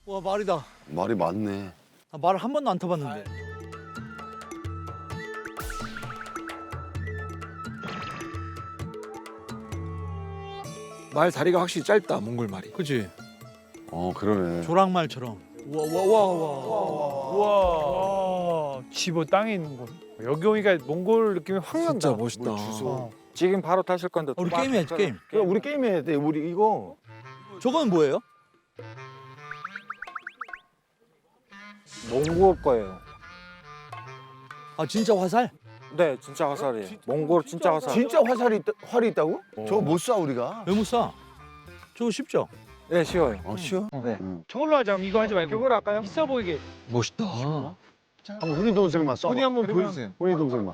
와 말이다. 말이 많네. 아, 말을 한 번도 안 타봤는데. 말 다리가 확실히 짧다, 몽골 말이. 그치? 그러네. 조랑말처럼. 우와, 집어 땅에 있는 거. 여기 오니까 몽골 느낌이 확 난다. 진짜 멋있다. 지금 바로 타실 건데. 우리 게임 해야지 게임. 그래, 우리 게임 해야 돼. 우리 이거 저거는 뭐예요? 몽골 거예요. 아 진짜 화살? 네, 진짜 화살이에요. 몽골 진짜 화살. 진짜 활이 있다고? 저거 못 쏴 우리가. 왜 못 쏴? 저거 쉽죠? 네, 쉬워요. 쉬워? 네. 저걸로 하자. 이거 하지 말고. 이걸 할까요? 있어 보이게. 멋있다. 한번 훈이 동생만 쏴. 손이 한번 보여주세요. 훈이 동생만.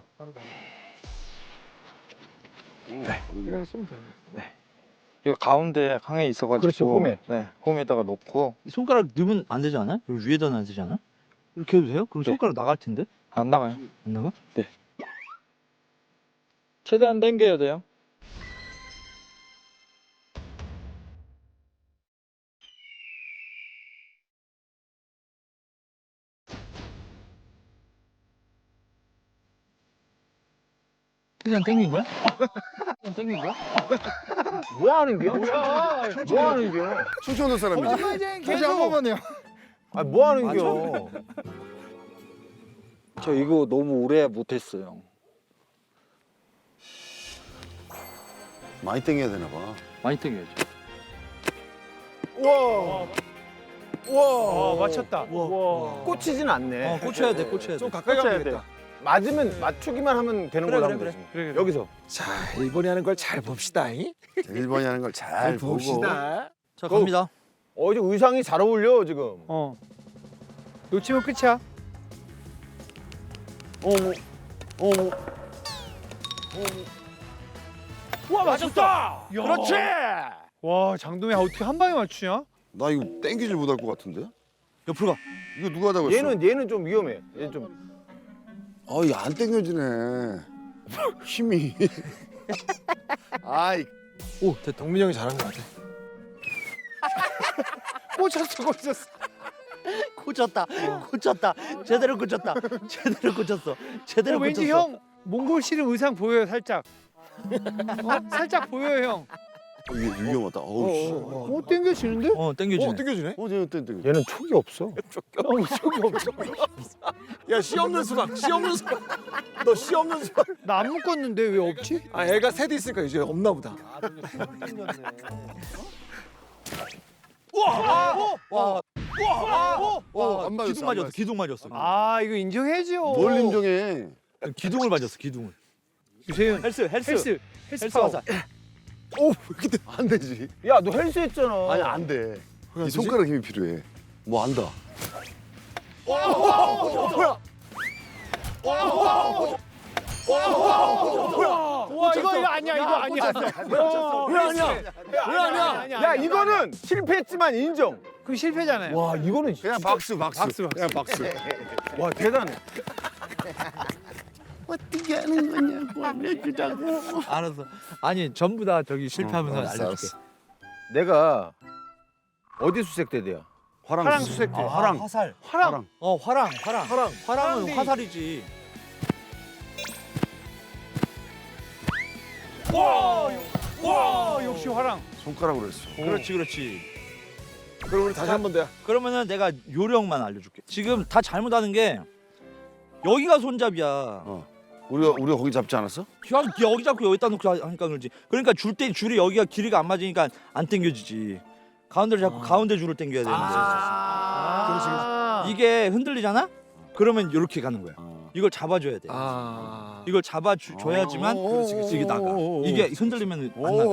이거 쓰면 돼요. 이거 가운데 항에 있어가지고. 그렇죠, 홈에. 네, 홈에다가 놓고 손가락 넣으면 안 되지 않아요? 여기 위에다 놔야 되지 않아? 이렇게 해도 돼요? 그럼 네. 손가락 나갈 텐데? 안 나가요. 안 나가? 최대한 당겨야 돼요. 그냥 땡긴 거야? 그냥 땡긴 거야? 뭐 하는 게요? 뭐 하는 게요? 충청도 사람이지. 다시 한 번만요. 뭐 하는 게요? 저 이거 너무 오래 못했어요. 많이 땡겨야 되나 봐. 많이 땡겨야지. 와, 맞췄다. 우와. 꽂히진 않네. 꽂혀야 돼, 꽂혀야 돼. 좀 가까이 가면 되겠다. 맞으면 맞추기만 하면 되는 걸로 하면 되지. 그래. 여기서. 자, 일본이 하는 걸 잘 봅시다. 일본이 하는 걸 잘 보고. 봅시다. 자 갑니다. 이제 의상이 잘 어울려 지금. 놓치면 끝이야. 와, 맞췄다. 그렇지. 와, 장동이 어떻게 한 방에 맞추냐? 나 이거 땡기질 못할 것 같은데? 옆으로 가. 이거 누가 하자고 했어? 얘는 좀 위험해. 얘 좀. 이거 안 땡겨지네. 힘이. 아이. 오 됐다. 동민이 형이 잘한 것 같아. 꽂혔어. 꽂혔다. 꽂혔다. 제대로 꽂혔다. 제대로 꽂혔어. 제대로 왠지 꽂혔어. 형 몽골 씨름 의상 보여요, 살짝. 살짝 보여요, 형. 이게 위험하다. 어우 씨. 땡겨지는데? 땡겨지네. 땡겨주네. 쟤 땡겨. 얘는 촉이 없어. 야, 씨 없는 수박, 씨 없는 수박. 너 씨 없는 수박. 나 안 묶었는데 왜 없지? 아, 애가 셋 있으니까 이제 없나 보다. 안 맞았어. 기둥 맞았어. 기둥 맞았어. 아, 이거 인정해줘. 뭘 인정해? 기둥을 맞았어. 기둥을. 유세윤 헬스. 헬스 파워. 파워. 안 되지. 야, 너 헬스 했잖아. 아니 안 돼. 이 손가락 힘이 필요해. 뭐 안다. 와, 이거 아니야, 이거 아니야. 왜 아니야? 왜 아니야? 야, 이거는 실패했지만 인정. 그 실패잖아요. 와, 이거는 그냥 박수. 그냥 박수. 와, 대단해. 어떻게 하는 거냐고 알려주자고. 알았어. 아니 전부 다 저기 실패하면서 알려줄게. 내가 어디 수색대대야? 화랑 수색대. 화랑. 화살. 화랑. 화랑. 화랑은 화랑이. 화살이지. 와, 역시 화랑. 손가락으로 했어. 그렇지. 그럼 우리 다시 한 번 더. 그러면은 내가 요령만 알려줄게. 지금 다 잘못하는 게 여기가 손잡이야. 우리가 거기 잡지 않았어? 여기 잡고 여기다 놓고 하니까 그러지. 그러니까 줄 때 줄이 여기가 길이가 안 맞으니까 안 당겨지지. 가운데를 잡고 가운데 줄을 당겨야 되는데 이게 흔들리잖아? 그러면 이렇게 가는 거야. 이걸 잡아줘야 돼. 이걸 잡아줘야지만 이게 나가. 이게 흔들리면 안 나가.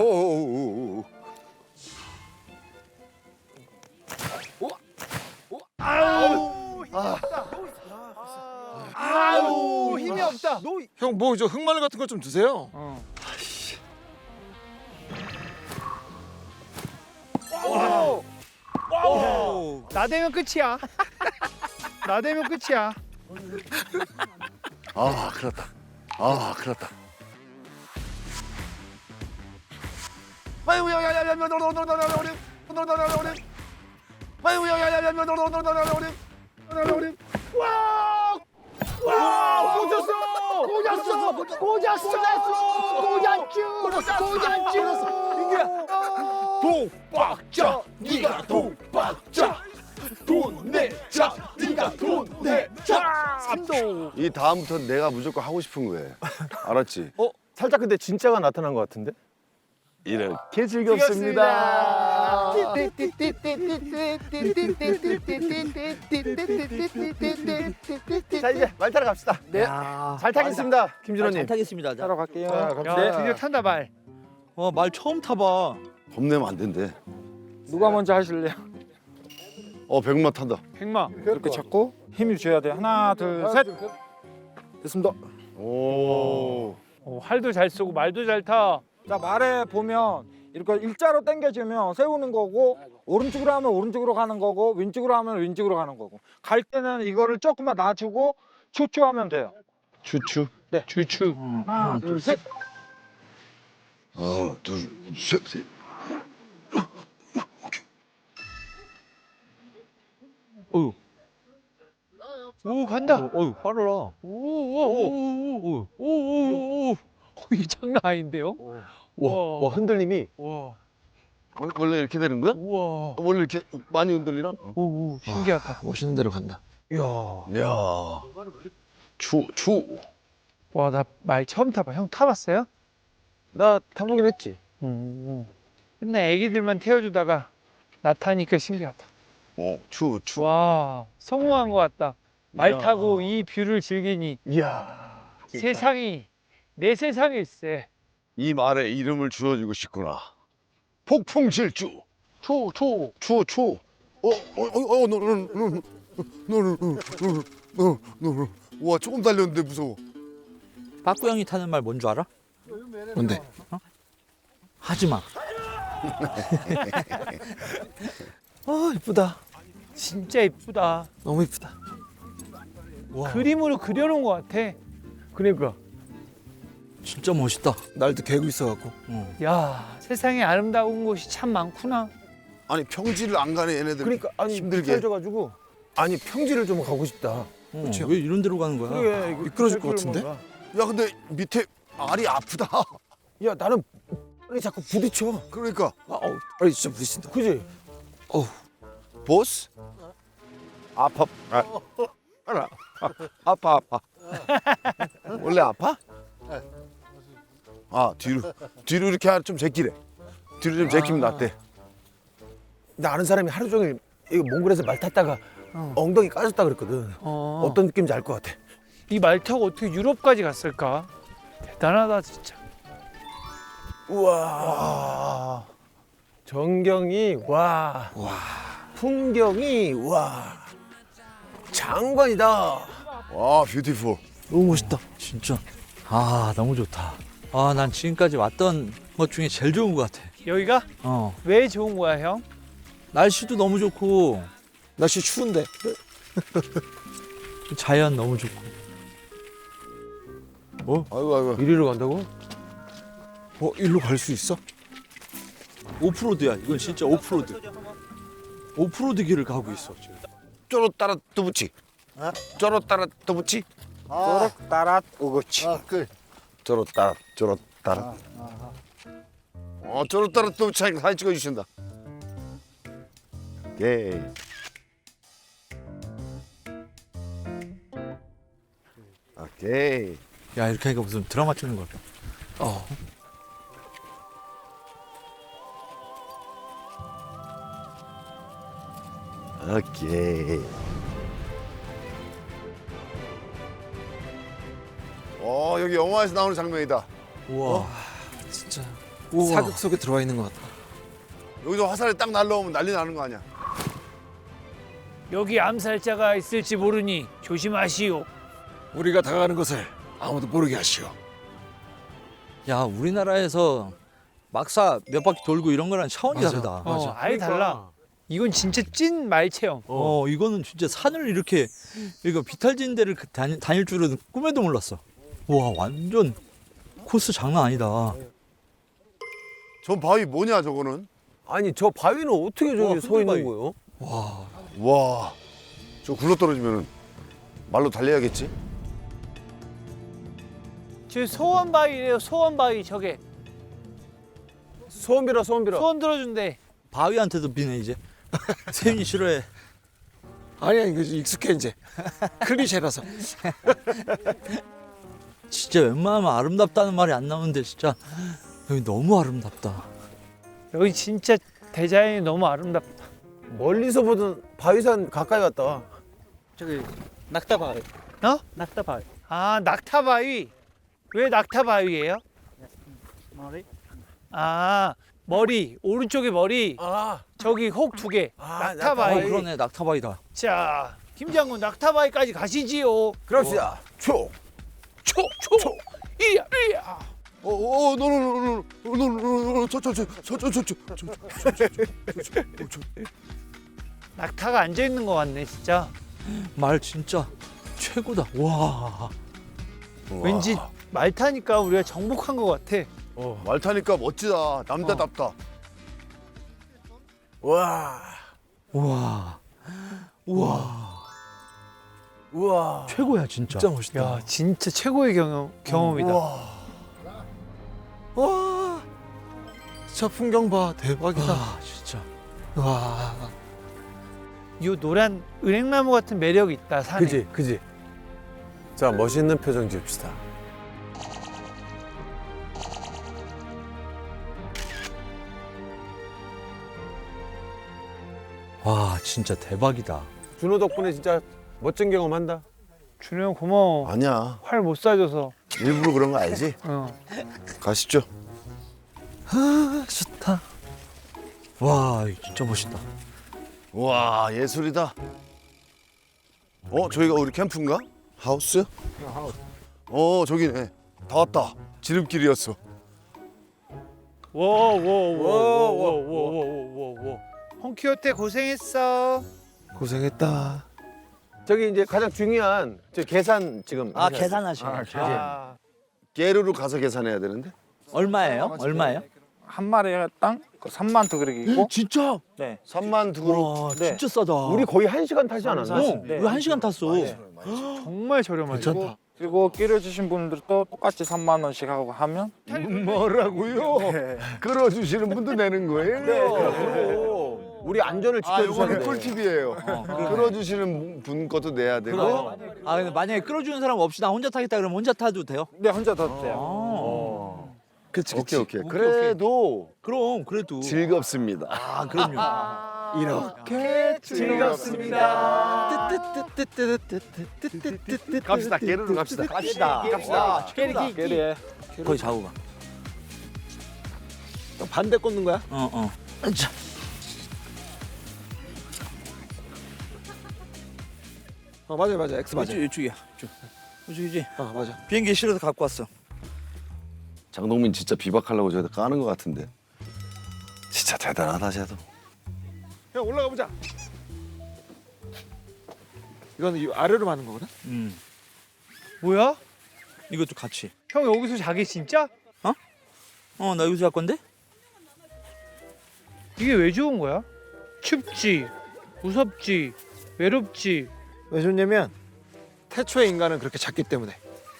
아우, 힘이 없다. 형, 뭐 저 흑마늘 같은 거 좀 드세요. 나 되면 끝이야. 나 되면 끝이야. 큰일 났다. 아이고, 야. 아유 야야야야 와, 꽂았어. 독박자 네가 독박자 돈 내자 네가 돈 내자. 삼도. 이 다음부터 내가 무조건 하고 싶은 거예요. 알았지? 살짝 근데 진짜가 나타난 것 같은데? 이렇게 즐겁습니다. 자 이제 말 타러 갑시다. 네. 잘 타겠습니다, 잘 김준호님. 타겠습니다. 따러 갈게요. 자, 야, 갑시다. 드디어 탄다 말. 말 처음 타봐. 겁내면 안 된대. 누가 먼저 하실래요? 백마 탄다. 백마. 이렇게 잡고 힘을 줘야 돼. 하나, 둘, 셋. 됐습니다. 오. 활도 잘 쏘고 말도 잘 타. 자, 말에 보면 이렇게 일자로 당겨주면 세우는 거고 오른쪽으로 하면 오른쪽으로 가는 거고 왼쪽으로 하면 왼쪽으로 가는 거고 갈 때는 이거를 조금만 놔주고 추추하면 돼요. 추추. 네. 주추. 하나, 둘, 셋. 둘, 셋. 어유. 오 간다. 어유 빠르라. 오오오오오오오오. 이 장난 아닌데요? 와, 흔들림이. 와. 원래 이렇게 되는 거야? 우와. 원래 이렇게 많이 흔들리나? 오 신기하다. 멋있는 대로 간다. 이야. 야. 추. 와 나 말 처음 타봐. 형 타봤어요? 나 타보긴 했지. 맨날 애기들만 태워주다가 나 타니까 신기하다. 추. 와 성공한 것 같다. 말 타고 이 뷰를 즐기니 이야. 세상이 내 세상일세. 이 말에 이름을 지어주고 싶구나. 폭풍질주. 초. 너는. 와, 조금 달렸는데 무서워. 빠꾸 형이 타는 말 뭔 줄 알아? 뭔데? 하지 마. 이쁘다. 진짜 이쁘다. 너무 이쁘다. 그림으로 그려놓은 것 같아. 그러니까 진짜 멋있다. 날도 개고 있어갖고. 야 세상에 아름다운 곳이 참 많구나. 아니, 평지를 안 가네, 얘네들. 그러니까 아니 힘들게. 져가지고 아니 평지를 좀 가고 싶다. 그렇죠. 왜 이런 데로 가는 거야? 그래 미끄러질 것 같은데? 야, 근데 밑에 알이 아프다. 야 나는 아니 자꾸 부딪혀. 그러니까. 아니 진짜 부딪힌다. 그지? 보스? 아파. 아파. 원래 아파? 뒤로 이렇게 좀 제끼래. 뒤로 좀 제끼면 낫대. 나 아는 사람이 하루 종일 이거 몽골에서 말 탔다가 엉덩이 까졌다 그랬거든. 어떤 느낌인지 알 것 같아. 이 말 타고 어떻게 유럽까지 갔을까? 대단하다 진짜. 우와. 전경이 와. 풍경이 와. 장관이다. 와, 뷰티풀. 너무 멋있다. 진짜. 너무 좋다. 난 지금까지 왔던 것 중에 제일 좋은 것 같아. 여기가 왜 좋은 거야 형? 날씨도 너무 좋고 날씨 추운데. 자연 너무 좋고. 아이고. 이리로 간다고? 일로 갈 수 있어? 오프로드야. 이건 진짜 오프로드. 오프로드 길을 가고 있어 지금. 쪼로따라 뚜부치. 쪼로따라 뚜부치. 쪼록따랏 오고치. 쪼로따라. 쪼로따라 뚜부치 하니까 사진 찍어주신다. 오케이. 야 이렇게 하니까 무슨 드라마 찍는 거 같아. 오케이. 여기 영화에서 나오는 장면이다. 우와. 진짜. 우와. 사극 속에 들어와 있는 것 같다. 여기서 화살이 딱 날라오면 난리 나는 거 아니야? 여기 암살자가 있을지 모르니 조심하시오. 우리가 다가가는 것을 아무도 모르게 하시오. 야 우리나라에서 막사 몇 바퀴 돌고 이런 거랑 차원이 다르다. 아예 달라. 이건 진짜 찐 말 체험. 이거는 진짜 산을 이렇게 이거 비탈진 데를 다닐 줄은 꿈에도 몰랐어. 와 완전 코스 장난 아니다. 저 바위 뭐냐 저거는? 아니 저 바위는 어떻게 저기 서 있는 흔들바위. 거예요? 와, 저 굴러 떨어지면은 말로 달려야겠지? 저 소원바위래요. 소원바위 저게 소원 빌어 소원 빌어. 소원 들어준대. 바위한테도 비네 이제. 세윤이 싫어해. 아니야 이거 익숙해 이제. 클리셰라서. 진짜 웬만하면 아름답다는 말이 안 나오는데 진짜 여기 너무 아름답다. 여기 진짜 대자연이 너무 아름답다. 멀리서 보던 바위산 가까이 갔다 와. 저기 낙타바위. 어? 낙타바위. 아 낙타바위. 왜 낙타바위예요? 머리. 아 머리 오른쪽에 머리. 아, 저기 혹 2개. 아, 낙타바위. 그러네 낙타바위다. 자 김장군 낙타바위까지 가시지요. 그럽시다. 초. 초. 이야. 낙타가 앉아 있는 것 같네 진짜. 말 진짜 최고다. 와. 왠지 말 타니까 우리가 정복한 것 같아. 말 타니까 멋지다. 남자답다. 와. 우와. 우와. 우와. 최고야 진짜. 진짜 멋있다. 야 진짜 최고의 경험이다. 와. 진짜 풍경 봐. 대박이다. 아 진짜. 와. 이 노란 은행나무 같은 매력이 있다 산에. 그지 그지. 자 멋있는 표정 지읍시다. 와 진짜 대박이다. 준호 덕분에 진짜 멋진 경험한다. 준호 형 고마워. 아니야. 활 못 쏴줘서. 일부러 그런 거 알지? 가시죠. 좋다. 와 이거 진짜 멋있다. 와, 예술이다. 저희가 우리 캠프인가? 하우스? 저기네. 다 왔다. 지름길이었어. 워워워워워워워워. 홍키호테 고생했어. 고생했다. 저기 이제 가장 중요한 저 계산 지금. 아 하셔야 돼. 계산하시네. 아, 깨르로 가서 계산해야 되는데. 얼마예요? 얼마예요? 한 마리에 땅 3만 더 그러기고. 진짜? 네. 3만 두그로. 와 네. 진짜 싸다. 우리 거의 1시간 타지 않았나? 네. 왜 1시간 탔어? 정말 저렴하지. 괜찮다. 그리고 끼려주신 분들도 똑같이 3만 원씩 하고 하면 뭐라고요? 끌어주시는 분도 내는 거예요? 우리 안전을 아, 지켜주셔야 이거는 돼. 꿀팁이에요. 끌어주시는 분 것도 내야 되고. 그럼. 아 근데 만약에 끌어주는 사람 없이 나 혼자 타겠다 그러면 혼자 타도 돼요? 네 혼자 더 돼요. 그치 오케이, 그치. 오케이. 그래도 그럼 그래도. 즐겁습니다. 아 그럼요. 이렇게 즐겁습니다. 갑시다. 깨르로 갑시다. 갑시다. 갑시다. 깨리기 깨리에 거기 자고 가. 반대 꽂는 거야? 어. 자. 맞아. X 맞아. 이쪽이야. 이쪽이지. 맞아. 비행기 실어서 갖고 왔어. 장동민 진짜 비박하려고 저기다 까는 것 같은데. 진짜 대단하다, 쟤도. 형 올라가 보자. 이건 이 아래로 마는 거구나? 뭐야? 이것도 같이. 형 여기서 자기 진짜? 나 여기서 할 건데? 이게 왜 좋은 거야? 춥지, 무섭지, 외롭지. 왜 좋냐면 태초의 인간은 그렇게 작기 때문에.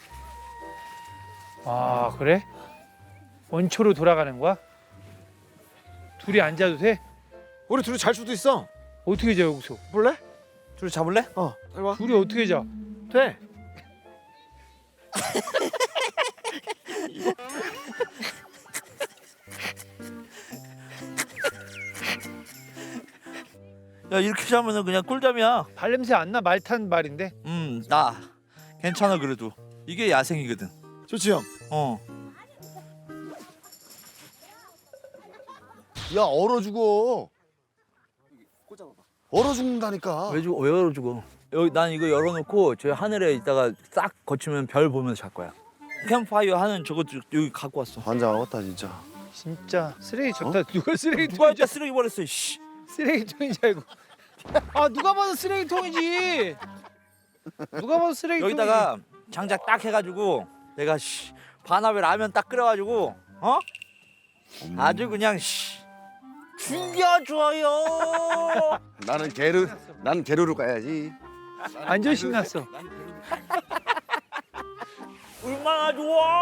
아 그래? 원초로 돌아가는 거야? 둘이 앉아도 돼? 우리 둘이 잘 수도 있어. 어떻게 자 여기서? 볼래? 둘이 잡을래? 빨리 와. 둘이 어떻게 자? 돼. 야 이렇게 자면은 그냥 꿀잠이야. 발냄새 안 나? 말 탄 말인데. 나 괜찮아 그래도. 이게 야생이거든. 좋지 형. 야, 얼어 죽어. 얼어 죽는다니까. 왜 열어 주고? 여기 난 이거 열어놓고 저 하늘에 있다가 싹 거치면 별 보면서 잘 거야. 캠프파이어 하는 저것도 여기 갖고 왔어. 환장하겠다, 진짜. 진짜 쓰레기 줬다. 누가 누가 쓰레기통인 여기다 쓰레기 버렸어? 씨. 쓰레기통인 줄 알고. 아 누가 봐도 쓰레기통이지. 누가 봐도 쓰레기통. 여기다가 장작 딱 해가지고 내가 반합에 라면 딱 끓여가지고 아주 그냥 죽여줘요. 나는 게르로 가야지. 완전 신났어. 얼마나 좋아.